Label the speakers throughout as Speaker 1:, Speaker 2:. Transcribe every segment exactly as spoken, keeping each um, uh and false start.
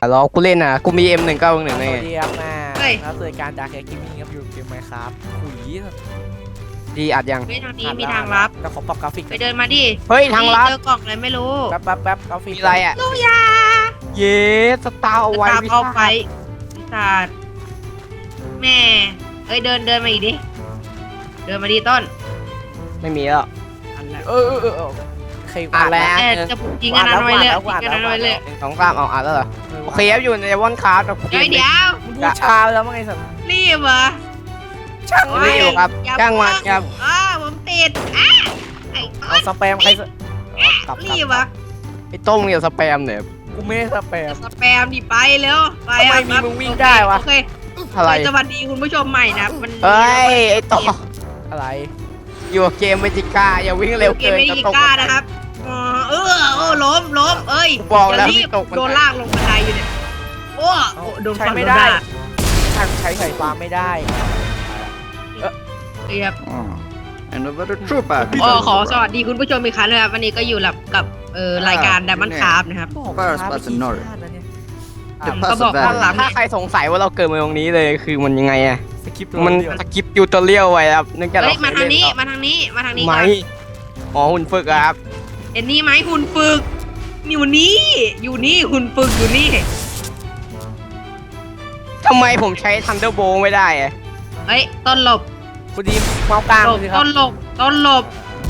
Speaker 1: รอกูเล่นอ่ะกูมี เอ็ม หนึ่งเก้าหนึ่ง
Speaker 2: ส
Speaker 1: ไง
Speaker 2: วัสดีครับมา
Speaker 3: เฮ้ย
Speaker 2: แล้วเจอการจากแคกิมมิ่งครับอยู่เกมไหมครับขุย
Speaker 1: ดีอัดยัง
Speaker 3: เฮ้ยทางนี้มีทางลับ
Speaker 2: แต่ขอปรับกราฟิก
Speaker 3: ไปเดินมาดิ
Speaker 1: เฮ้ยทางลับ
Speaker 3: เจอกล่องอะไรไม่รู้
Speaker 2: แป๊บแป๊บแป๊บกราฟิก
Speaker 1: มีอะไรอ่ะ
Speaker 3: ลูกยา
Speaker 1: เย้สตาร์เอาไว้
Speaker 3: ตาม
Speaker 1: วิ
Speaker 3: เอา
Speaker 1: ชา
Speaker 3: ไปพิศาจแม่เอ้ยเดินเดินมาอีกดิเดินมาดิต้น
Speaker 1: ไม่มีแล้ว
Speaker 3: อันละ
Speaker 2: เออเออเออเออใคร
Speaker 1: อ่านแล้ว
Speaker 3: เอ้ยจะยิงอันนั้นไว้เลยยิงอันนั้นไว้เลย
Speaker 1: หนึ่งสองสามเอาอัดแล้วเหรอโอเคครับอยู่ในวอนคาร์ดกับเก
Speaker 3: เดี๋ยว
Speaker 1: ม
Speaker 3: เดี๋ยว
Speaker 2: มึงพูดชาแล้วมั้งไงสัตว์
Speaker 3: รีบเหรอ
Speaker 2: ช่าง
Speaker 1: ไม่อยู่ครับ
Speaker 3: อย่
Speaker 1: จ้างมันครับ
Speaker 3: อ้าผมติดอ่ะไอ้ต้
Speaker 2: เอา
Speaker 3: น
Speaker 2: สแปมใครสเอากลับกลั
Speaker 3: รี
Speaker 2: บบ
Speaker 3: เหรอ
Speaker 1: ไอ้ต้มเนี่ยสแปมเนี่ย
Speaker 2: กูไม่ได้สแปม
Speaker 3: สแปมดิไปเร็วไป
Speaker 2: ทำไม
Speaker 3: อ่ะ
Speaker 2: มี
Speaker 3: ครับ
Speaker 2: มึงวิ่งได้วะ
Speaker 3: โอเค
Speaker 1: อะไร
Speaker 3: สวัสดีคุณผู้ชมใหม่นะมัน
Speaker 1: เฮ้ยไอ้ต่อ
Speaker 2: อะไร
Speaker 1: อยู่กับเกมเมจิก้าอย่าวิ่งเร็ว
Speaker 3: เก
Speaker 1: เกิ
Speaker 3: ม
Speaker 1: น
Speaker 3: ไม่
Speaker 1: จะ
Speaker 3: ดี
Speaker 1: ตก
Speaker 3: กล้านะครับอ๋อเออโอ้ล้มล้มเอ้ย
Speaker 1: บอกแล้ว
Speaker 3: ย่ารีบ
Speaker 1: ไม่ตกบันได
Speaker 3: โดนลากลงบันไดอยู่เนี่ยโอ้โอ้โดน
Speaker 2: ใช้
Speaker 3: ฟัน
Speaker 2: ไม่
Speaker 3: โดน
Speaker 2: ได้
Speaker 3: ลาก
Speaker 2: ช่างใช้ไฟฟ้าไม่ได้
Speaker 3: เรียบ
Speaker 4: And over the trooper.
Speaker 3: โอ้ขอสวัสดีคุณผู้ชมอีกครั้งนะครับวันนี้ก็อยู่กับกับเอ่อรายการดัมมันคาร์บนะครับ
Speaker 2: บอก
Speaker 4: First
Speaker 2: ช้าไป
Speaker 4: person
Speaker 2: กี่
Speaker 4: North
Speaker 2: ชาติแล้วเนี่ย
Speaker 4: The
Speaker 3: ก็บอก
Speaker 4: pass
Speaker 3: ข้างหลัง
Speaker 1: ถ้าใครสงสัยว่าเราเกิดมาตรงนี้เลยคือมันยังไงอะ
Speaker 2: สคริปต์
Speaker 1: มัน
Speaker 2: เดียว
Speaker 1: สกิปยูตอเรียลไว้ครับเนื่องจาก
Speaker 3: เฮ้
Speaker 1: เรา
Speaker 3: ยมาทางนี้มาทางนี้มาทางนี้
Speaker 1: ไหม
Speaker 3: ก่อน
Speaker 1: อ๋อหุ่นฝึกอะครับ
Speaker 3: เอ็นนี่ไหมหุ่นฝึกอยู่นี่อยู่นี่หุ่นฝึกอยู่นี่
Speaker 1: ทำไมผมใช้ทันเดอร์โบไม่ได้อะ
Speaker 3: เฮ้ยต้นหลบ
Speaker 2: คุณดีมเมากลาง
Speaker 3: หลบ
Speaker 2: สิครั
Speaker 3: ต้
Speaker 2: บ
Speaker 3: นหลบต้นหลบ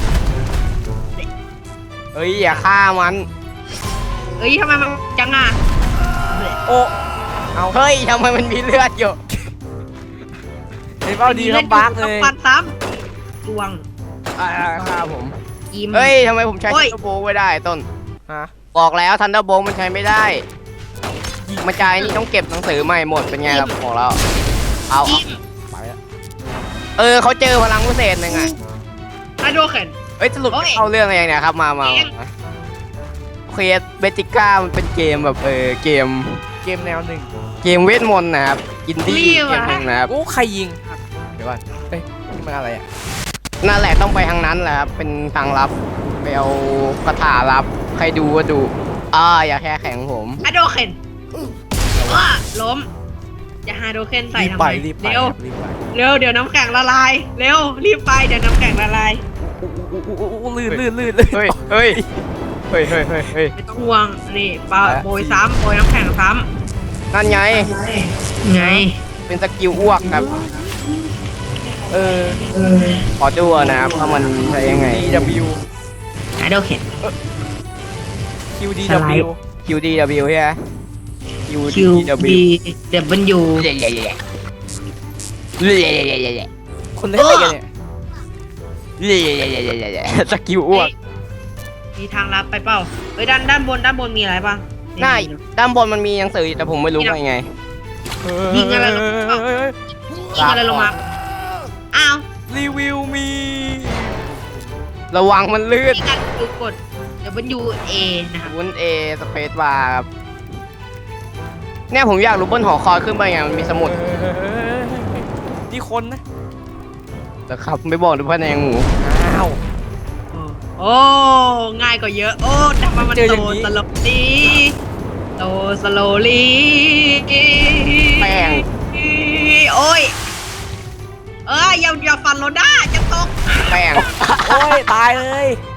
Speaker 1: เฮ้ยอย่าฆ่ามัน
Speaker 3: เฮ้ยทำไมมันจังอ่ะ
Speaker 2: โอ้เอา
Speaker 1: เฮ้ยทำไมมันมีเลือดอยู่
Speaker 2: เห็นเปล่าดีครับบักเลย
Speaker 3: ต้องปัดซ้ำดวง
Speaker 1: อ่าฆ่าผม
Speaker 3: อิม
Speaker 1: เฮ้ยทำไมผมใช้
Speaker 3: โอ้
Speaker 1: ทัน
Speaker 3: ย
Speaker 1: เดอร์โบไม่ได้ต้น
Speaker 2: ฮะ
Speaker 1: บอกแล้วทันเดอร์โบมันใช้ไม่ได้มาจ่ายนี่ต้องเก็บหนังสือใหม่หมดเป็นไงล่ะบอกแล้วเอา
Speaker 3: อิม
Speaker 2: ไปแล้ว
Speaker 1: เออเขาเจอพลังพิเศษหนึ่งอะ
Speaker 3: ไอโดเข็น
Speaker 1: เอ้ยสรุป
Speaker 3: โอ้ย
Speaker 1: เข้าเรื่องอะไรเนี่ยครับมามา
Speaker 3: เอง
Speaker 1: มาเคสเบติก้ามันเป็นเกมแบบเออเกม
Speaker 2: เกมแนวหนึ่ง
Speaker 1: เกมเวทมนต์นะครับอินดี้เกมหนึงนะครับ
Speaker 2: โอ้ใครยิงเดี๋ยวก่อนเอ้ยนี่มันอะไรอ่ะ
Speaker 1: นั่นแหละต้องไปทางนั้นแหละครับเป็นทางลับไปเอาคาถาลับใครดูก็ดูอ่าอย่าแค่แข็งผม
Speaker 3: ไอโดเข็นว้าล้มจะหาโดเข็นใส่
Speaker 2: รีบ
Speaker 3: ทำ
Speaker 2: ไป
Speaker 3: ไม
Speaker 2: รีบไป
Speaker 3: เร็ว
Speaker 2: รีบไป
Speaker 3: เร็วเดี๋ยวน้ำแข็งละลายเร็วรีบไปเดี๋ยวน้ำแข็งละลาย
Speaker 2: โอ้ลื่นลื่นลื่นลื่น
Speaker 1: เฮ้ยเฮ้ยเฮ้ยเฮ้ยเฮ้ยเฮ้ย
Speaker 3: ไม่ต้องห่วงนี่ปา
Speaker 2: ไป
Speaker 3: โบยซ้ำโบยน้ำแข็งซ้
Speaker 1: นั่นไง
Speaker 3: ำไง
Speaker 1: เป็นสกิลอ้วกครับ
Speaker 2: เออ
Speaker 1: ขอดูนะครับว่ามันใช้ยังไง
Speaker 2: ดี ดับเบิลยู
Speaker 3: ไอโดเข็น
Speaker 2: คิว ดี ดับเบิลยู
Speaker 1: คิว ดี ดับเบิลยู ใช่ไหม คิว
Speaker 3: คิ
Speaker 1: ดี
Speaker 3: ว
Speaker 1: ดับเบิล
Speaker 3: บี
Speaker 1: ยู
Speaker 3: เดบเบิลยู
Speaker 1: เล่เล่เล่เล่เล่เล่เล่
Speaker 2: คนเล่นอะไรกันเนี่ย
Speaker 1: เล่เล่เล่เล่เล่สกิลอ้วก
Speaker 3: มีทางลับไปเปล่าเฮ้ยด้านด้านบนด้านบนมีอะไรบ้าง
Speaker 1: หน้าด้านบนมันมีหนังสืออยู่แต่ผมไม่รู้ว่ายังไง
Speaker 3: ยิงอะไรลงมา
Speaker 2: เฮ้ยเฮ้ย
Speaker 3: ยิงอะไรลงมาอ้าว
Speaker 2: รีวิวมี
Speaker 1: ระวังมันลื่น
Speaker 3: มีการคือกด W A นะครับ
Speaker 1: วุ้นเอสเปซบาร์ครับเนี่ยผมอยากรู้บนหอคอยขึ้นไปไงมันมีสมุด
Speaker 2: เฮ้ยเฮ้ยเฮ้ยนี่คนนะ
Speaker 1: แต่ครับไม่บอกด้วยพะแนงหมู
Speaker 2: อ้าว
Speaker 3: โอ้ง่ายกว่าเยอะโอ้ทำไมมัน
Speaker 2: เจออ
Speaker 3: โต
Speaker 2: ย่างนี้
Speaker 3: สโลลีโตสโลลี
Speaker 1: แป้ง
Speaker 3: โอ้ยเอ้ยอย่าอย่าฟันโรด้าจะตก
Speaker 1: แป้ง
Speaker 2: โอ้ยตายเลย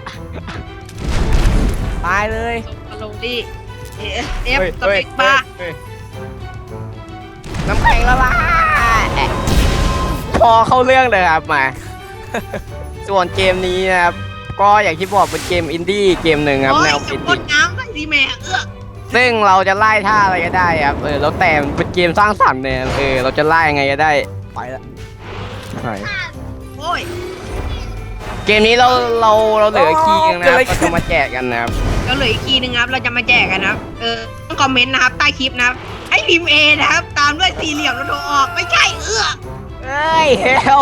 Speaker 2: ตายเลย
Speaker 3: สโลลีเอฟเอฟ
Speaker 1: เฮ้ย
Speaker 3: ส
Speaker 1: เฮ้
Speaker 3: เป
Speaker 1: ย
Speaker 3: กบาร์
Speaker 1: เฮ้ยน้ำแข็งละลายพอเข้าเรื่องเลยครับมา ส่วนเกมนี้นะครับก็อย่างที่บอกเป็นเกมอินดี้เกมหนึ่งครับ
Speaker 3: โอ้ย
Speaker 1: แนว
Speaker 3: จะ
Speaker 1: อิน
Speaker 3: พ่
Speaker 1: ดี้
Speaker 3: นน้ำใส่สีแม่เอื้อ
Speaker 1: ซึ่งเราจะไล่ท่าอะไรก็ได้ครับเออแล้วแต่มันเป็นเกมสร้างสรรค์เนี่ยเออเราจะไล่ยังไงก็ได้
Speaker 2: ไปละ
Speaker 3: โอ้ย
Speaker 1: เกมนี้เราเราเราเหลือคีย์นะครับเราจะมาแจกกันนะครับ
Speaker 3: แล้วเหลืออีกทีนึงครับเราจะมาแจกกันนะครับเออต้องคอมเมนต์นะครับใต้คลิปนะครับให้พิมพ์ A นะครับตามด้วยสี่เหลี่ยมแล้วโทรออกไม่ใช่เอื้อ
Speaker 1: เฮ้ยเฮล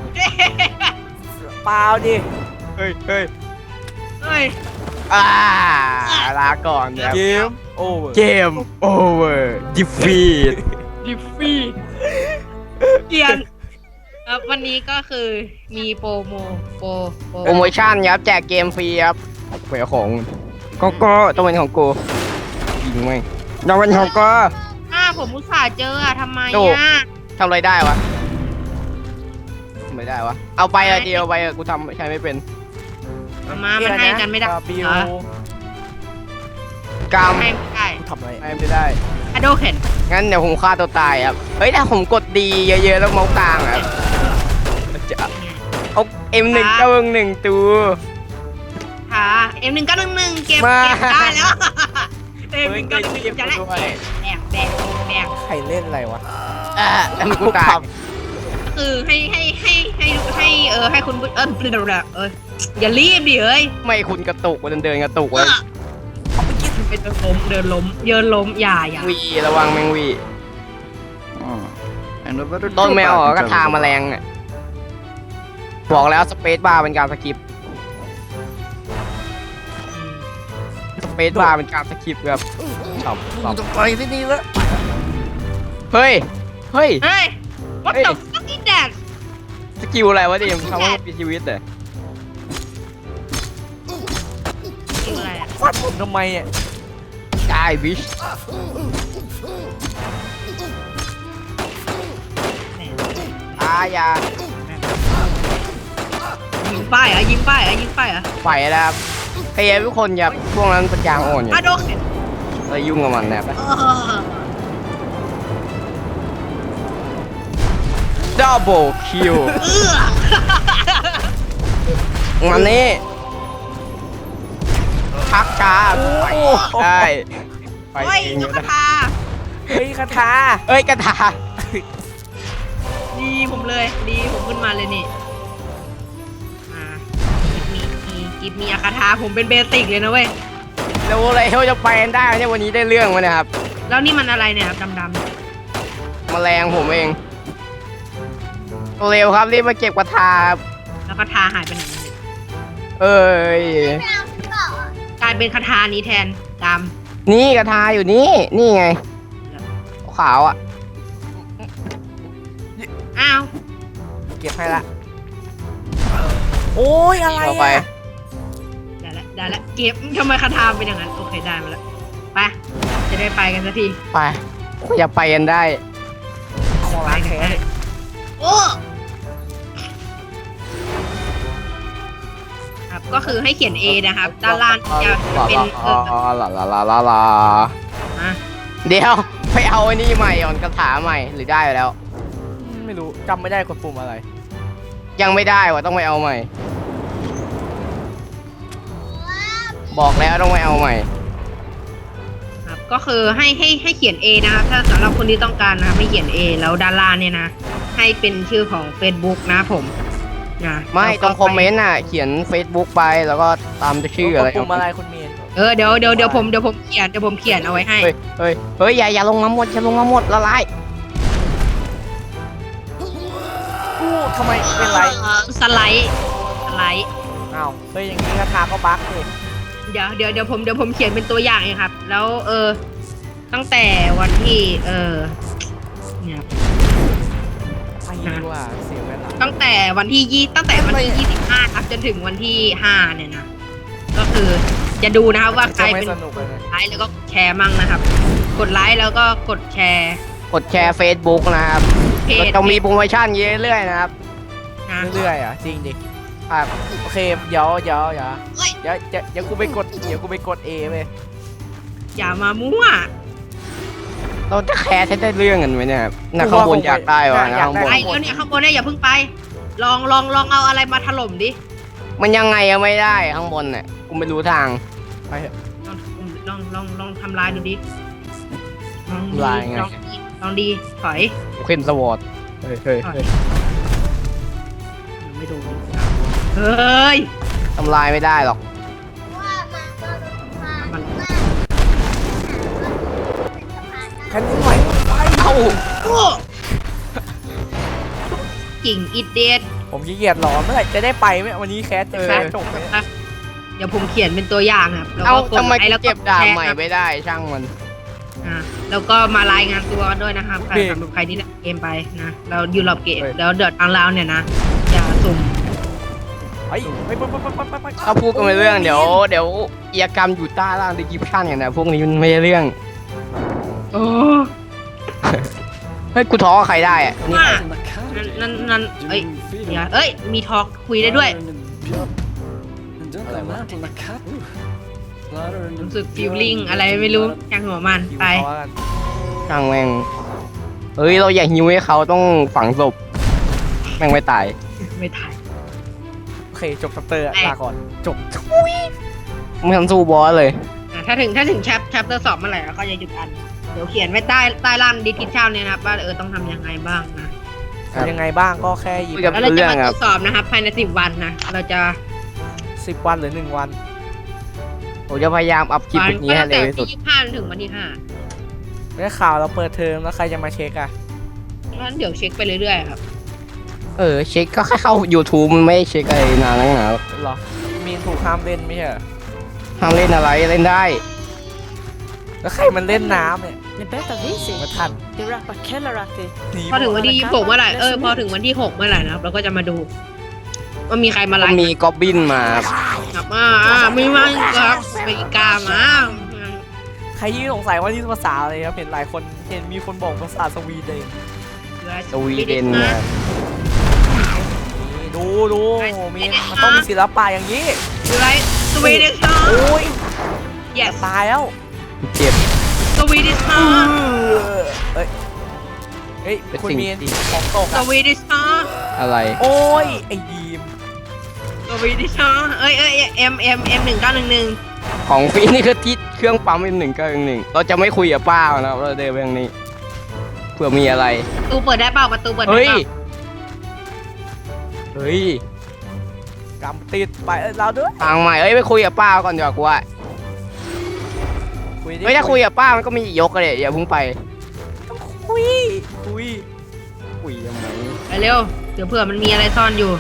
Speaker 2: เปล่าดิ
Speaker 1: เฮ้ยเฮ้ย
Speaker 3: เฮ้ย
Speaker 1: อ่าลาก่อนนะครับ
Speaker 2: เกมโอเวอร์
Speaker 1: เกมโอเวอร์ดิฟีด
Speaker 3: ดิฟฟี่เกียนครับวันนี้ก็คือมีโปรโมโปรโปร
Speaker 1: โปรโมชั่นครับแจกเกมฟรีครับเผื่อของก็ก็ต้องเป็นของกูยิงไหมยังเป็นหกก็
Speaker 3: อ้าผมอุตส่าห์เจออะทำไม
Speaker 1: โอ้
Speaker 3: อ่ะ
Speaker 1: ทำอะไรได้วะไม่ได้วะเอาไปอะเดียวไปอะกูทำใช้ไม่เป็น
Speaker 3: เอามามันให้กันไม่ได้
Speaker 2: บิว
Speaker 3: เหรอก
Speaker 1: าม
Speaker 3: ให้ไม่ได้
Speaker 2: ทำอะไร
Speaker 1: ให้ไม่ได้
Speaker 3: อะโดเข็น
Speaker 1: งั้นเดี๋ยวผมฆ่าตัวตายครับเฮ้ยถ้าผมกดดีเยอะๆแล้วเมาส์กลางอะมันจะเอาเอ็มหนึ่งเก้าหนึ่งตัว
Speaker 3: ค่ะเอ็มหนึ่งก็หนึ่งหนึ่งเก็บ
Speaker 1: มา
Speaker 3: เก็บได้แล้วเอ็มห
Speaker 1: เฮ้ย
Speaker 3: นึ่งก็หนึ่งหนึ่งจะได้
Speaker 1: ด้วย
Speaker 3: แบกแบกแบก
Speaker 2: ใครเล่นอะไรวะ
Speaker 1: อ่ะแล้วมันกูตาย
Speaker 3: คือให้ให้ให้ให้ให้เออให้คุณเออเดี๋ยวเอออย่ารีบดิเอ้ย
Speaker 1: ไม่คุณกระตุกเดินเดินกระตุก
Speaker 3: เอ
Speaker 1: เลย
Speaker 3: อไปเดินล้มเดินล้มเยินล้มอย่าอย่า
Speaker 1: วีระวังแมงวี
Speaker 4: Oh. Another
Speaker 1: ต้นแมว
Speaker 4: trooper
Speaker 1: ก็ทางแมลงอ่ะบอกแล้วสเปซบาร์เป็นการสกิปสเปซบาร์เป็นการสกิปครับชอบชอบ
Speaker 2: จะไปที่นี่แล้ว
Speaker 1: เฮ้ยเฮ้ย
Speaker 3: เฮ้ย what
Speaker 1: เฮ้ย
Speaker 3: the fuck is that
Speaker 1: สกิลอะไรวะดิมทำให้มีชีวิตเลย
Speaker 3: คืออะไรอะ
Speaker 2: ฟัดผมทำไมอ่ะ
Speaker 1: ได้บิชอายา
Speaker 3: ยิงป้ายเหรอ่ะยิงป้ายเหรอ่ะยิงป้ายเหรอ่ะ
Speaker 1: ไฟแล้วครับพยายามทุกคนอย่าพวกนั้นปัญญาอ่อนอย่า
Speaker 3: อะโดเข็น
Speaker 1: เลยยุ่งกับมันนะครับ
Speaker 3: เออ
Speaker 1: ดับเบิลคิว
Speaker 3: เอื้อ
Speaker 1: มันนี่พักช้าไปได้ไป
Speaker 3: เฮ้ย
Speaker 1: เอง
Speaker 3: นก
Speaker 1: ก็
Speaker 3: กระ
Speaker 1: ได้
Speaker 3: ทา
Speaker 2: เฮ้ยคาถา
Speaker 1: เอ้ยกระถา
Speaker 3: ดีผมเลยดีผมขึ้นมาเลยนี่มากิฟมีกิฟมีอาคาทาผมเป็นเบสิกเลยนะเว้ย
Speaker 1: แล้วอะไรเขาจะไปกันได้เนี่ยวันนี้ได้เรื่องมาเนี่ยครับ
Speaker 3: แล้วนี่มันอะไรเนี่ยครับดำ
Speaker 1: แมลงผมเองเร็วครับรีบมาเก็บกระทาครับ
Speaker 3: ๆแล้วคาทาหายไปไหนเนี่ย
Speaker 1: เอ้ย
Speaker 3: กลายเป็นคาทานี้แทนด
Speaker 1: นี่กระทาอยู่นี่นี่ไงขาวอ่ะ
Speaker 3: ำอ้าว
Speaker 2: เก็บให้ละโอ้ยอะไร
Speaker 1: เอาไป
Speaker 2: อ่ะ
Speaker 3: ได้แล้วได้แล้วเก็บทำไมคาทาเป็นอย่างนั้นโอเคได้มาแล้วไปจะได้ไปกันสักที
Speaker 1: ไปอย่าไปกันได้
Speaker 2: ของร้านแค่
Speaker 3: โอ้ครับก็คือให้เขียน A นะครับ ด้านล่างจะเป็นเออ
Speaker 1: ลาลาลาลาลา
Speaker 3: อ่ะ
Speaker 1: เดี๋ยวไปเอาไอ้นี่ใหม่อ่อนกระถาใหม่หรือได้ไปแล้ว
Speaker 2: ไม่รู้จำไม่ได้กดปุ่มอะไร
Speaker 1: ยังไม่ได้วะต้องไปเอาใหม่ บอกแล้วต้องไปเอาใหม่
Speaker 3: ครับก็คือให้ให้ให้เขียน A นะครับถ้าสำหรับคนที่ต้องการนะครับให้เขียน A แล้วด้านล่างเนี่ยนะให้เป็นชื่อของ Facebook นะผมนะ
Speaker 1: ไม่
Speaker 3: แล้ว
Speaker 1: ต
Speaker 3: ก็
Speaker 1: รงคอมเมนต์อ่ะเขียน Facebook ไปแล้วก็ตามชื่ออะไร
Speaker 2: กดปุ่มอะไรคุณเมียน
Speaker 3: เออเดี๋ยวเดี๋ยวเดี๋ยวผมเดี๋ยวผมเขียนเดี๋ยวผมเขียนเอาไว้ให้
Speaker 1: เฮ้ยเฮ้ยเฮ้ยอย่าอย่าลงมาหมดอย่าลงมาหมดละลาย
Speaker 2: อู้ทำไมเป็นไร
Speaker 3: เออสไลด์สไลด์
Speaker 2: อ้าวเฮ้ยอย่างนี้คาถาก็บั๊กเลย
Speaker 3: เดี๋ยวเดี๋ยวเดี๋ยวผมเดี๋ยวผมเขียนเป็นตัวอย่างเองครับ แล้วเออตั้งแต่วันที่เออเนี่ย
Speaker 2: ไม่รู้ว่าเสียเวลา
Speaker 3: ตั้งแต่วันที่ยี่ตั้งแต่วันที่ยี่สิบห้าครับจนถึงวันที่ห้าเนี่ยนะก็คือจะดูนะครับว่าใคร
Speaker 2: จะไม่
Speaker 3: เป็น
Speaker 2: สนุกเลยนะ
Speaker 3: ไลค์แล้วก็แชร์มั่งนะครับ กดไลค์แล้วก็กดแชร์
Speaker 1: กดแชร์ Facebook นะครับ
Speaker 3: เพ
Speaker 1: ก็
Speaker 3: จ
Speaker 1: จะมีโปรโมชั่นเรื่อยๆนะครับ
Speaker 3: นะ
Speaker 2: เรื่อยๆอ่ะจริงดิ
Speaker 1: ครับ
Speaker 2: โอเคเดี๋ยวเดี๋ยวเดี๋ยว
Speaker 3: เฮ้ย
Speaker 2: เดี๋ยวเดี๋ยวเดี๋ยวกูไปกดเดี๋ยวกูไปกด A ไป
Speaker 3: อย่ามามั่ว
Speaker 1: เราจะแคร์ใช้ได้เรื่องกันไหมเนี่ยครับนะข้างบนอยากได้วะนะข้างบน
Speaker 3: ไอ้เดี๋ยวเนี่ยข้างบนเนี่ยอย่าเพิ่งไป ลองลองลองเอาอะไรมาถล่มดิ
Speaker 1: มันยังไงอะไม่ได้ข้างบนเนี่ยกูไม่รู้ทาง
Speaker 2: ไปเถอะ
Speaker 3: ลองลองลองลองทำลายดูดิลองดี
Speaker 1: ทำลายไง
Speaker 3: ลองดีลองดีถอย
Speaker 1: เคนสวอตเฮ้ยเฮ้ย
Speaker 3: ถอย
Speaker 1: เฮ้ย
Speaker 3: ยังไม่ดูเฮ้ย
Speaker 1: ทำลายไม่ได้หรอก
Speaker 3: มัน
Speaker 2: แค่นี้ไหวไป
Speaker 1: เอ้า
Speaker 3: โอ้กิ่งอิดเดด
Speaker 2: ผมขี้เกียจรอเมื่อไหร่จะได้ไปไหมวันนี้แคสจะแคสจบไหม
Speaker 3: เดี๋ยวผมเขียนเป็นตัวอย่างครับแล้ว
Speaker 1: เอ้า
Speaker 3: ก็กด
Speaker 1: ทำไม
Speaker 3: ไลค์แล้ว
Speaker 1: เก็บดาบใหม่
Speaker 3: แชร์ครับ
Speaker 1: ไม่ได้ช่างมัน
Speaker 3: อ่ะแล้วก็มารายงานตัวกันด้วยนะครับใครสำหรับใครที่เล่นเกมไปนะเราอยู่รอบเกมแล้วเดือดทางเราเนี่ยนะอย่าสุ่ม
Speaker 2: ไปไปไปไปไปไปไป
Speaker 1: ถ้าพูดกันไม่เรื่องเดี๋ยวเดี๋ยวอียกรรมอยู่ใต้ล่างดิจิปชันกันนะพวกนี้มันไม่ใช่เรื่องเฮ้ยกูท้อกับใครได้อะนี่
Speaker 3: ว่านั่นนั่นเอ้ยเดี๋ยวเอ้ยมีทอล์กคุยได้ด้วยรู้สึกฟีลลิ่งอะไรไม่รู้ช่างหัวมันไป
Speaker 2: เอากัน
Speaker 1: ช่างแม่งเฮ้ยเราอย่าหิวให้เขาต้องฝังศพแม่งไม่ตาย
Speaker 3: ไม่ถ่าย
Speaker 2: โอเคจบชัปเตอร์อะ
Speaker 3: แม่
Speaker 2: ลาก่อนจบ
Speaker 1: ไม่ทันสู้บอสเลย
Speaker 3: อ่ะถ้าถึงถ้าถึงแชปแชปเตอร์สองเมื่อไหร่เราก็จะหยุดอันเดี๋ยวเขียนไว้ใต้ใต้ล่างดีทิชชั่นเนี่ยนะครับว่าเออต้องทำยังไงบ้างนะ
Speaker 1: ครับ
Speaker 2: ยังไงบ้างก็แค่หยิบ
Speaker 1: คุยกับ
Speaker 3: แล้วเรา
Speaker 1: เรื่
Speaker 3: จะ
Speaker 1: อง
Speaker 3: มา
Speaker 1: ค
Speaker 3: ต
Speaker 1: รั
Speaker 3: ร
Speaker 1: บ
Speaker 3: วจสอบนะครับภายในสิบวันนะเราจะ
Speaker 2: สิบวันหรือหนึ่งวัน
Speaker 1: ผมจะพยายามอัพคลิปแบบนี้ให้เร็วที่สุด
Speaker 3: ตั้งแต่ที่ยี่สิบห้าถึงวันที่ห้า
Speaker 2: ได้ข่าวเราเปิดเทอมแล้วใครจะมาเช็คอะ
Speaker 3: งั้นเดี๋ยวเช็คไปเรื่อยๆครับ
Speaker 1: เออเช็คก็แค่เข้า YouTube มันไม่เช็คอะไรนานนักหนา
Speaker 2: เหรอมีนถูกห้ามเล่นไม่ใช่เหรอ
Speaker 1: ห้ามเล่นอะไรเล่นได้
Speaker 2: แล้วใครมันเล่นน้ำเนี่ย
Speaker 5: Ni berättar vi
Speaker 2: มา
Speaker 5: sig.
Speaker 2: ทัน
Speaker 5: Det rappar Kellarati.
Speaker 2: หนี
Speaker 3: พอถึงวันที่ยี่สิบหกเมื่อไหร่เออพอถึงวันที่หกเมื่อไหร่นะครับเราก็จะมาดูว่ามีใครมาไล
Speaker 1: ก็
Speaker 3: ฟ์
Speaker 1: มีกอบบินมาครับ
Speaker 3: ครับอ่าอ่ามีมาอีกครับไปอีกามา
Speaker 2: ใครยี่สงสัยว่านี่ภาษาอะไรครับเห็นหลายคนเห็นมีคนบอกภาษาสวีเดน
Speaker 1: สวีเดนนะครับ
Speaker 2: นี่ดูดูมีมันต้องมีศิลปะอย่างนี้
Speaker 3: ดูไรสวีเดนชา
Speaker 2: โอ้ย
Speaker 3: yes
Speaker 2: ตายแล้ว
Speaker 1: เจ็บ
Speaker 3: สวีเดนชา
Speaker 2: เอ้ยเฮ้ย
Speaker 1: เป็น
Speaker 2: คุณ
Speaker 1: สิ่ง
Speaker 2: มีน
Speaker 1: ที่
Speaker 2: ของตก
Speaker 3: ส
Speaker 2: อะ
Speaker 3: วีเดนชา
Speaker 1: อะไร
Speaker 2: โอ้ยไอ้ดีม
Speaker 3: สวีเดนชาเอ้ยเอ้ยเอ็มเอ็มเอ็มหนึ่งเก้าหนึ่งหนึ่ง
Speaker 1: ของฟรีนี่คือที่เครื่องปั๊มเป็นหนึ่งก็หนึ่งเราจะไม่คุยกับป้านะครับเราเดินไปทางนี้เผื่อมีอะไร
Speaker 3: ประตูเปิดได้เปล่าประตูเปิดได้
Speaker 1: เฮ้ย
Speaker 3: เปล่า
Speaker 1: เฮ้ย
Speaker 2: กำติดไปเอ้ยเราด้วย
Speaker 1: ทางใหม่เอ้ยไปคุยกับป้าก่อนดีกว่ากูว่า
Speaker 2: คุยดิ
Speaker 1: เฮ้ยถ้าคุยกับป้ามันก็มียกเลยอย่าเพิ่งไป
Speaker 2: คุยคุย
Speaker 1: คุยยังไง
Speaker 3: ไปเร็วเดี๋ยวเผื่อมันมีอะไรซ่อนอยู่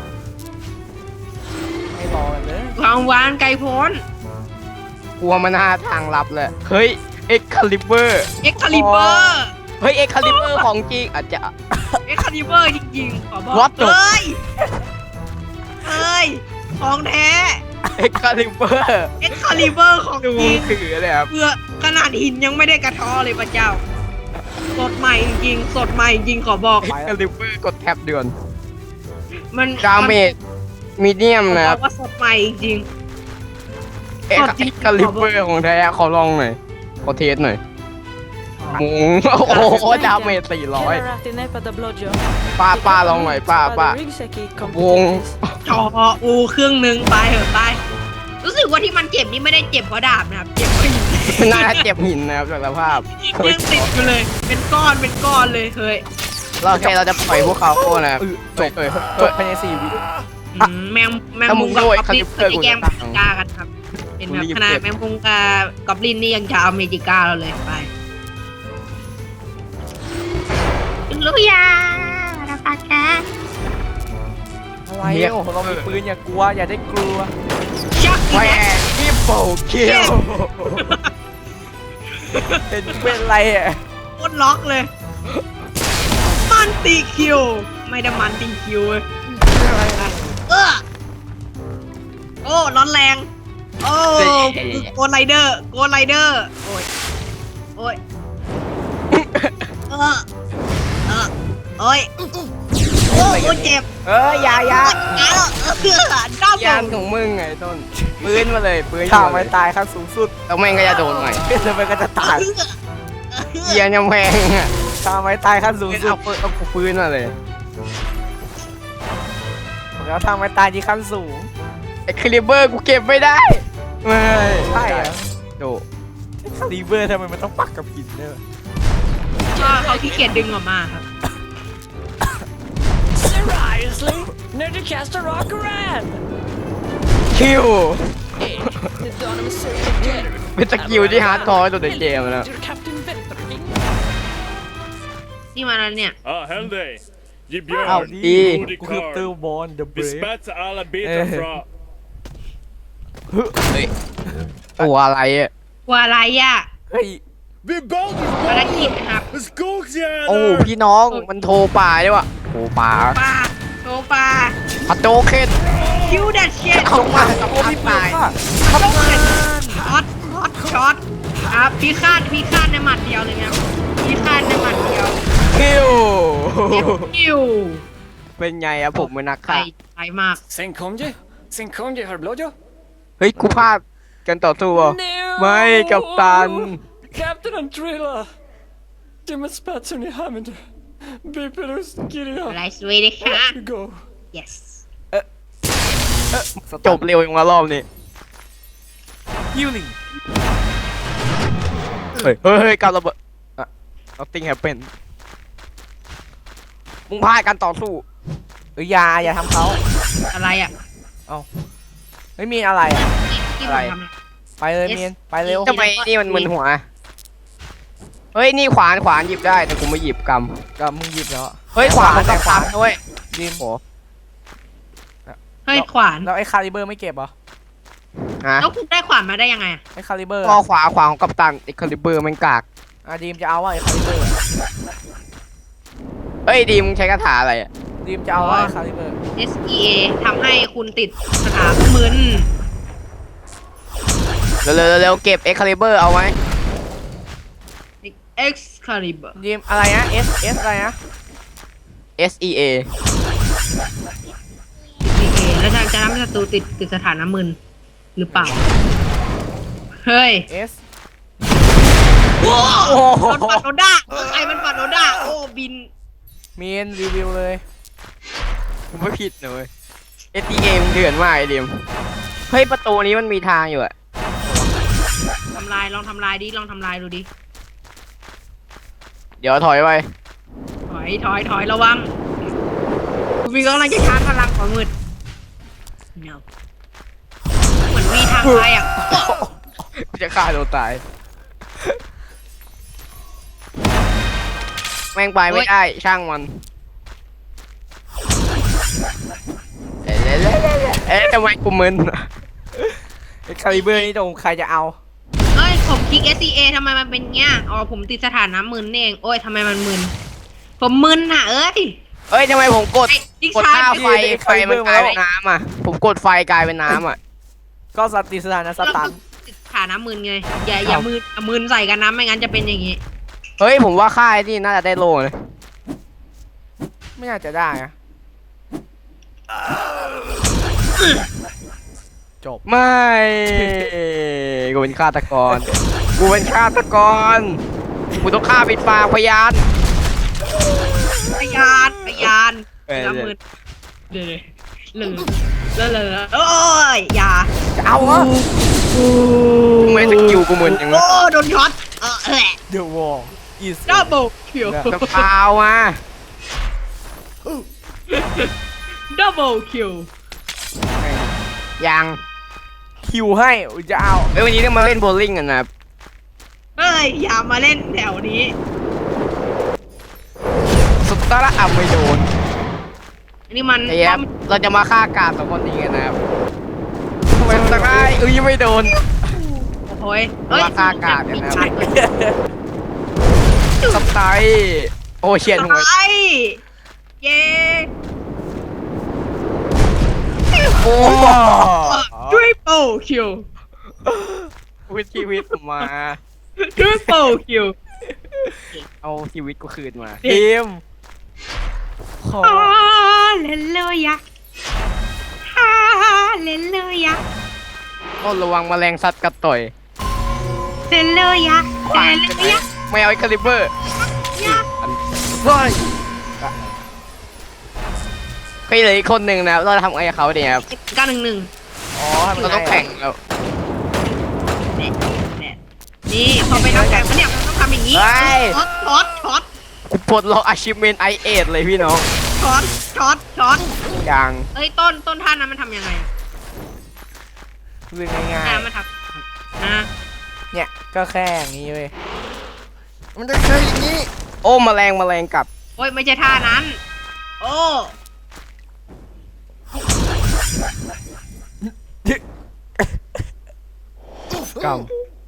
Speaker 2: ไม่รอกันเลย
Speaker 3: ความหวานไกลโพ้น
Speaker 1: กลัวมันหาทางลับเลยเฮ้ยเอ็กคาลิเบอร์
Speaker 3: เอ็กคาลิเบอร์
Speaker 1: เฮ้ยเอ็กคาลิเบอร์ของจริงอาจจะ
Speaker 3: เอ็กคาลิเบอร์จริงๆขอบอก
Speaker 1: What the-
Speaker 3: เฮ้ยเฮ้ยของแท้
Speaker 1: เอ็กคาลิเบอร์
Speaker 3: เอ็กคาลิเบอร์ของ
Speaker 1: ดู
Speaker 3: จริง
Speaker 1: ถือเลยครับ
Speaker 3: เพื่อขนาดหินยังไม่ได้กระท้อเลยพระเจ้า สดใหม่จริงๆสดใหม่จริงขอบอก
Speaker 1: เอ็กคาลิเบอร์กดแท็บเดือน
Speaker 3: มัน
Speaker 1: ดาเมจมีเดียม
Speaker 3: มัน
Speaker 1: นะ
Speaker 3: บ
Speaker 1: ค
Speaker 3: อ
Speaker 1: รับ
Speaker 3: กว่าสดใหม่จริง
Speaker 1: เอ็ก
Speaker 3: กดจริง
Speaker 1: คาลิเบอร์ของแท้ขอลองหน่อยขอเทสหน่อยมุงโอ้โหดาเมจสี่ร้อย
Speaker 5: Kellarati näpade blodjob.
Speaker 1: ป้าป้าลองหน่อยป้าป้า
Speaker 5: Ryggsäck i
Speaker 1: วง
Speaker 5: kompetens.
Speaker 3: จออูเครื่องหนึ่งไปเถอะไป รู้สึกว่าที่มันเจ็บนี่ไม่ได้เจ็บเพราะดาบนะครับ เจ็บเพราะหิน
Speaker 1: น่าจะเจ็บหินนะครับจากสภาพ
Speaker 3: ยังติดอยู่เลย เป็นก้อนเป็นก้อนเลยเฮ้ย
Speaker 1: เราแค่เราจะปล่อยพวกเขาโค่นะครับ
Speaker 2: เออจบ
Speaker 1: เอ้ย
Speaker 2: จบภายในสี่วิ
Speaker 3: อืมแมงแมง
Speaker 1: ถ้ามึ
Speaker 3: มุ
Speaker 1: ง
Speaker 3: มกับ
Speaker 1: ด้วย
Speaker 3: กอบลิน
Speaker 1: คาลิ
Speaker 3: เค
Speaker 1: เปอร์
Speaker 3: ยแกล้ง
Speaker 1: กู
Speaker 3: เม
Speaker 1: จะ
Speaker 3: จิก้ากันครับเป็นแบบ
Speaker 1: กูรีบ
Speaker 3: ขนาด
Speaker 1: เก็บ
Speaker 3: แมงมุมกับกอบลินนี่ยังจะเอาเมจิก้าเราเลยไปลุยาราปากแก
Speaker 2: อะไรโอ้โหเรามีปืนอย่ากลัวอย่าได้กลัว
Speaker 3: ชัก
Speaker 1: แหว
Speaker 3: อีก
Speaker 1: กที่โปคิว
Speaker 2: เป็นเป็นอะไรอ่ะ
Speaker 3: โคตรล็อกเลย มันตีคิว ไม่ได้มันตีคิวเว้ยเออโอ้ร้อนแรง โอ้โกนไรเดอร์โกนไรเดอร์โอ้ยโอ้ยเออเออโอ้ยโอ้ยเจ็บ
Speaker 1: เอออยาอยา
Speaker 3: อ้าวเออด้าม
Speaker 1: ยานของมึงไงต้นปืนมาเลยปืน
Speaker 2: ข่าว
Speaker 1: มาเล
Speaker 2: ไม่
Speaker 1: ย
Speaker 2: ตายขั้นสูงสุด
Speaker 1: แล้วแม่งก็จะโดนใหม่
Speaker 2: แล้วมันก็จะตาย
Speaker 1: เกียร์ยังแพงอ่ะ
Speaker 2: ข่าวไม่ตายขั้นสูงสุด
Speaker 1: เอาปืนเอาปืนมาเลย
Speaker 2: แล้วทางไม่ตายที่ขั้นสูง
Speaker 1: ไอ้คลิเบอร์กูเก็บไม่ได้ไม่
Speaker 2: ใช่เหรอ
Speaker 1: โด
Speaker 2: คาลิเบอร์ทำไมมันต้องปักกับหินเนี่ย
Speaker 3: ก็เขาขี้เกียจดึงออกมาครับ
Speaker 5: Seriously? När du kastar rock around?
Speaker 1: คิว
Speaker 5: Det är dagen med söker.
Speaker 1: เป็นสกิลที่ฮาร์ดคอร์ตัวในเกมนะ
Speaker 5: Du Captain Veltering.
Speaker 3: นี่มาแล้วเนี่ย
Speaker 6: Ah, Helday. Ge
Speaker 2: อ้าว
Speaker 6: björn,
Speaker 2: ดี
Speaker 6: modig
Speaker 2: กูคือเตอ
Speaker 6: karl.
Speaker 2: ร์บอลเดอะเบร
Speaker 6: Vi
Speaker 2: ฟ
Speaker 6: spetsar alla
Speaker 2: Eh.
Speaker 6: bitar fra...
Speaker 1: เฮ้ยตัวอะไรอ่ะ
Speaker 3: กลัวอะไรอ่ะ
Speaker 2: เฮ้ย
Speaker 6: Vi Baldur's
Speaker 3: ภารกิจนะครับ
Speaker 6: En skogsjävel!
Speaker 1: โอ้พี่น้องมันโทรป่าด้วยวะโทรป่า
Speaker 3: ปลาโซฟา
Speaker 1: พัดโจเคน
Speaker 3: คิวดัชเชต
Speaker 1: เข้ามากับ
Speaker 2: โอ้
Speaker 1: พั
Speaker 2: มี
Speaker 1: ด
Speaker 2: ปื
Speaker 1: ตาน ย
Speaker 2: ค่ะ
Speaker 3: ช็อตช็อตช็อตช็อตครับพี่คาดพี่คาดในหมัดเดียวเลยครับพี่คาดในหมัดเดียว
Speaker 1: เคคิว
Speaker 3: คิว
Speaker 1: เป็นไงอะผมเป็นนัก
Speaker 3: ไกล
Speaker 1: ฆ่า
Speaker 3: ไกลมาก
Speaker 5: Sen kom je. Sen kom je, har blåjo.
Speaker 1: เฮ้ยกูพลาดกันต่อสู้เหรอ
Speaker 5: No!
Speaker 1: ไม่กับตัน
Speaker 5: Captain Antrilla. Dimma spatsen i Hamilton. Bipelus, Gideon.
Speaker 3: อะไรสวยเลยค่ะ
Speaker 5: You go.
Speaker 3: yes
Speaker 1: จบเร็วอย่างมารอบนี้
Speaker 2: ฮิวลิง
Speaker 1: เฮ้ยเฮ้ยเฮ้ยการระเบิดอะเอาติ้งแฮปเป็นมึงพลาดกันต่อสู้
Speaker 2: เอ้ยอย่าอย่าทำเขา
Speaker 3: อะไรอ่ะ
Speaker 2: ไม่มีอะไรอ่ะ
Speaker 3: ที่
Speaker 1: อะไร
Speaker 3: ผมทำอะ
Speaker 2: ไปเลย
Speaker 3: Yes
Speaker 2: เมียนไปเร็ว
Speaker 1: ทำไมนี่มันมึนหัว เฮ้ยนี่ขวานขวานหยิบได้แต่กูไม่หยิบก
Speaker 2: ก็มึงหยิบแล้วอะ
Speaker 1: ำเฮ้ยขวาน
Speaker 2: แต่
Speaker 1: กับ
Speaker 2: ขวาน
Speaker 1: ตำด้วย
Speaker 2: ดีม
Speaker 1: โอ้
Speaker 3: เฮ้ยขวาน
Speaker 2: แล้วไอ้คาลิเบอร์ไม่เก็บเหรอ
Speaker 1: ฮะ
Speaker 3: แล้วคุณได้ขวานมาได้ยังไงอะ
Speaker 2: ไอ้คาลิเบอร์
Speaker 1: ก็ขวาขวาของกัปตันไอ้คาลิเบอร์แมันกาก
Speaker 2: อ่ะดีมจะเอาว่าไอ้คาลิเบอร์
Speaker 1: เฮ้ยดีมึงใช้คาถาอะไรอะ
Speaker 2: ดีมจะเอาว่าไอ้คาลิเบอร์
Speaker 3: เอส อี เอ ทำให้คุณติดสถามึน
Speaker 1: เร็วเร็วเร็วเก็บเอ็กคาลิเบอร์เอาไว้
Speaker 3: Excalibur
Speaker 2: ดีมอะไรนะ S S อะไรนะ
Speaker 1: S E A
Speaker 3: โอเคแล้วจะจะทำให้ศัตรูติดติดสถานะมึนหรือเปล่า เฮ้ย
Speaker 2: S
Speaker 3: โอ้
Speaker 1: โอ้โห
Speaker 3: โดนปัดโดด้าใครมันปัดโดด้าโอ้บิน
Speaker 2: เมียนรีวิวเลย
Speaker 1: กูไม่ผิดนะเลย S E A มึงเถื่อนมากไอ้ดิมเฮ้ยประตูนี้มันมีทางอยู่อะ
Speaker 3: ทำลายลองทำลายดิลองทำลายดูดิ
Speaker 1: เดี๋ยวถอยไป
Speaker 3: ถอยถอยถอยระวังคุณวีกำลังจะชาร์จพลังของมืด no เหมือนมีทางไปอ่ะ
Speaker 1: กูจะฆ่าตัวตาย แม่งไปไม่ได้ช่างมันเอ๊ะเอ๊ะเอ๊ะเอ๊ะเอ๊ะทำไมกูมึน
Speaker 2: ไอ้คาลิเบอร์นี่ตรงใครจะเอา
Speaker 3: เอ้ยผมคลิก เอส ซี เอ ทำไมมันเป็นเงี้ยอ๋อผมติดสถานะมึนนี่เองโอ้ยทำไมมันมึนผมมึนน่ะเอ้ย
Speaker 1: เอ้ยทำไมผมกด
Speaker 3: ไอ้ดิ
Speaker 1: กด
Speaker 3: ชา
Speaker 1: หน้า
Speaker 3: ร์จ
Speaker 1: ไฟไฟมันกลายเป็นน้ำอ่ะ ผมกดไฟกลายเป็นน้ำอ่ะ
Speaker 2: ก็สติสถานะสตัน
Speaker 3: ติดสถานะมึนไงอย่าอย่ามึนอย่ามึนใส่กันนะไม่งั้นจะเป็นอย่างงี้
Speaker 1: เฮ้ยผมว่าค่ายที่น่าจะได้โลเลย
Speaker 2: ไม่น่าจะได้อะจบ
Speaker 1: ไม่ กูเป็นฆาตกร กูเป็นฆาตกร กูต้องฆ่าปิดปากพยาน
Speaker 3: พยานพยาน
Speaker 1: เอ้ย
Speaker 3: ละมึนเลยเลยเลยเลยเลยโอ้ยอย่า
Speaker 2: จะเอาเหรอ
Speaker 1: ทำไมสกิลกูมึนอย่าง
Speaker 3: โอ้
Speaker 1: นั้น
Speaker 3: โดนช็อตเออแหละ
Speaker 2: เดอะวอลอีส
Speaker 3: ดับเบิลคิว
Speaker 1: จะพาวมา
Speaker 3: ดับเบิลคิว
Speaker 1: ยัง
Speaker 2: คิวให้อุ๊ยจะเอา
Speaker 1: เอ้ยวันนี้ต้องมาเล่นโบว์ลิ่งกันนะครับ
Speaker 3: เฮ้ยอย่ามาเล่นแถวนี้
Speaker 1: สุดตาละอ่ะไม่โดน
Speaker 3: อันนี้มัน
Speaker 1: ไอ้ครับเราจะมาฆ่ากาดสองคนนี้กันนะครับทำไมมันตะไคร้เอ้ยไม่โดน
Speaker 3: โอ้ยเฮ้ย
Speaker 1: ราคากาดเนี่ยนะ
Speaker 3: ชัดเลย
Speaker 1: สไตล์โอเชียนหัว
Speaker 3: ไปเย้
Speaker 1: โอ้
Speaker 3: ทริปเปิลคิว
Speaker 1: วิชีวิตผมมา
Speaker 3: ทริปเปิลคิว
Speaker 1: เอาชีวิตกูคืนมา
Speaker 2: ทีมขอ
Speaker 3: ฮาเลลูยาฮาเลลูยา
Speaker 1: ก็ระวังแมลงสัตว์กัดต่อย
Speaker 3: เลลูยาเลลูยา
Speaker 1: ไม่เอาไอ้คาลิเบอร์
Speaker 3: ยา
Speaker 2: เฮ้ย
Speaker 1: เคยเหลืออีกคนหนึ่งนะเราทำไงกับเขาดีครับ
Speaker 3: เก้าหนึ่งหนึ่ง
Speaker 2: อ๋อทำ
Speaker 1: เรา
Speaker 2: ไง
Speaker 1: ต้องแข่งแล้ว
Speaker 3: นี่พอไปนักแข่งมันเนี่ยมันต้องทำอย่างนี้ช็อตช็อตช็อต
Speaker 1: กูปลดล็อกอาชิเมนไอเอทเลยพี่น้อง
Speaker 3: ช็อตช็อตช็อต
Speaker 1: อย่าง
Speaker 3: เอ้ยต้นต้นท่านั้นมันทำยังไง
Speaker 2: เรื่องง่าย
Speaker 3: อ่ามันทำนะ
Speaker 2: ๆเนี่ยก็แค่อย่างนี้เว้ย
Speaker 1: มันจะเคยอย่างนี้ โอ้แมลงแมลงกลับ
Speaker 3: โอ้ยไม่ใช่ท่านั้น โอ้
Speaker 1: กลับ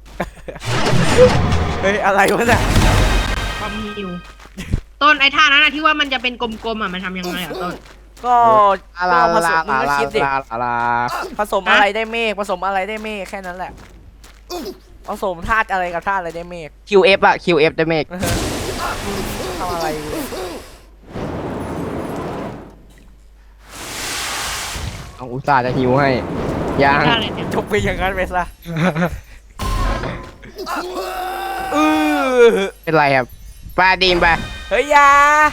Speaker 2: เฮ้ยอะไรวะเนี่ย
Speaker 3: ความหิวต้นไอ้ท่านั้นอะที่ว่ามันจะเป็นกลมๆอ่ะมันทำยังไงอ่ะต้น
Speaker 2: ก็
Speaker 1: ลาลา
Speaker 2: ก็ผส
Speaker 1: ลาม
Speaker 2: มึง
Speaker 1: ลา
Speaker 2: ก็
Speaker 1: ลา
Speaker 2: คิดดิ
Speaker 1: ลาลาลา
Speaker 2: ผสมอะไรได้เมฆผสมอะไรได้เมฆแค่นั้นแหละผสมธาตุอะไรกับธาตุอะไรได้เมฆ
Speaker 1: คิวเอฟอะคิวเอฟได้เมก
Speaker 2: ทำอะไรกู
Speaker 1: เอาอุตส่าห์จะหิวให้ยัง
Speaker 3: ได้เลยเนี่ย
Speaker 2: จบไปอย่างนั้นไปซะเออ
Speaker 1: เป็นไรครับปลาดีมไป
Speaker 2: เฮ้ยอยา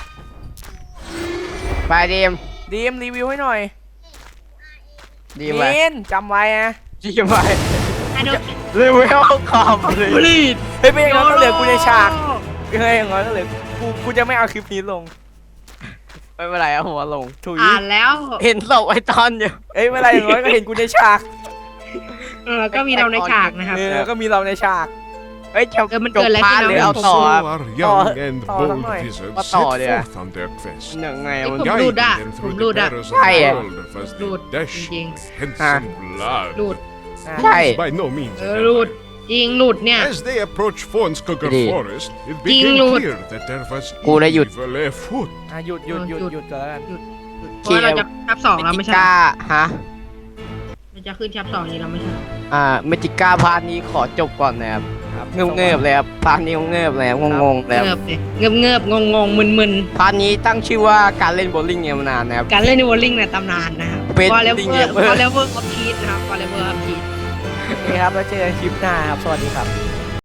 Speaker 1: ปลาดีม
Speaker 2: ดีมรีวิวให้หน่อย
Speaker 1: ดีมไป
Speaker 2: มินจำไว้นะ
Speaker 1: ดีมไป
Speaker 3: ไอ้โดน
Speaker 1: เร็วไม่เอาคอมเลย
Speaker 3: บลีด
Speaker 2: เฮ้ยไม่อย่างนั้นก็เหลือกูในฉากเฮ้ยอย่างนั้นก็เหลือกูกูจะไม่เอาคลิปนี้ลง
Speaker 1: ไม่เป็นไรเอาหัวลง
Speaker 2: ถุย
Speaker 3: อ่านแล้ว
Speaker 1: เห็นศพไอ้ตอนอยู่
Speaker 2: เอ้ยไม่เป็นไรอย่างน้อยก็เห็นกูในฉาก
Speaker 3: เออก็มีเราในฉากนะครับ
Speaker 2: เออก็มีเราในฉาก
Speaker 1: เฮ้ยจะ
Speaker 3: เออมัน
Speaker 1: จ
Speaker 3: เกิ
Speaker 1: บ
Speaker 3: ดอะไร
Speaker 1: พาร์ท
Speaker 3: ขึ้น
Speaker 1: หรือ
Speaker 3: นะ
Speaker 1: เอาต่อครับ
Speaker 6: are young and
Speaker 2: ต่อ
Speaker 6: bold
Speaker 2: สักหน่อย
Speaker 6: wizards
Speaker 1: มา
Speaker 6: set
Speaker 1: ต่อเดี๋ยว
Speaker 6: forth on their quest,
Speaker 1: ยังไง
Speaker 3: ผม
Speaker 1: มัน
Speaker 3: รูด
Speaker 6: guiding
Speaker 3: อะ
Speaker 6: them
Speaker 3: ผม
Speaker 6: through
Speaker 3: รู
Speaker 6: the
Speaker 3: ดอะ
Speaker 6: perils of
Speaker 1: ใช่
Speaker 6: the
Speaker 1: อะ
Speaker 6: world of as
Speaker 3: รูด
Speaker 6: they dash
Speaker 3: จริง
Speaker 6: handsome blood.
Speaker 3: รูด
Speaker 1: ใช่
Speaker 6: By no means
Speaker 3: เอ
Speaker 6: a
Speaker 3: อรูด
Speaker 6: headline.
Speaker 3: จริงหลุดเนี่ย
Speaker 6: As they approached Fonskugger
Speaker 1: Đi.
Speaker 6: Forest, it
Speaker 3: Đi
Speaker 6: became
Speaker 3: luôn.
Speaker 6: clear that there was
Speaker 1: Cô đã hụt.
Speaker 6: evil afoot.
Speaker 2: อ่ะหยุดหยุดหยุดหยุดก่อนแล้วกัน
Speaker 3: เพราะเราจะชับสองแล้วไม่ใช่
Speaker 1: ก้าฮะ
Speaker 3: เราจะขึ้นชับสองนี้เราไม่ใช่
Speaker 1: อ่าเมจิก้าพาร์ทนี้ขอจบก่อนนะครับ
Speaker 2: ครับ
Speaker 1: เงือบเงือบๆเลยครับพาร์ทนี้เงือบๆเลยครับงงๆเลยค
Speaker 3: เงื
Speaker 1: รั
Speaker 3: อบ บเลยเงือบเงือบงงงมึนมึน
Speaker 1: พาร์ทนี้ตั้งชื่อว่าการเล่นโบว์ลิ่งเนี่ยมานานนะครับ
Speaker 3: การเล่นในวอลลิงในตำนานนะครับ
Speaker 1: เป็น
Speaker 3: ฟอร์เรเว
Speaker 1: จริง
Speaker 3: อ
Speaker 1: เนี่ย
Speaker 3: ร์ฟอร์เรเวอร์ออฟพีทนะครับฟอร์เรเวอร์ออฟพีท
Speaker 2: โอเคครับแล้วเจอกันคลิปหน้าครับ สวัสดีครับ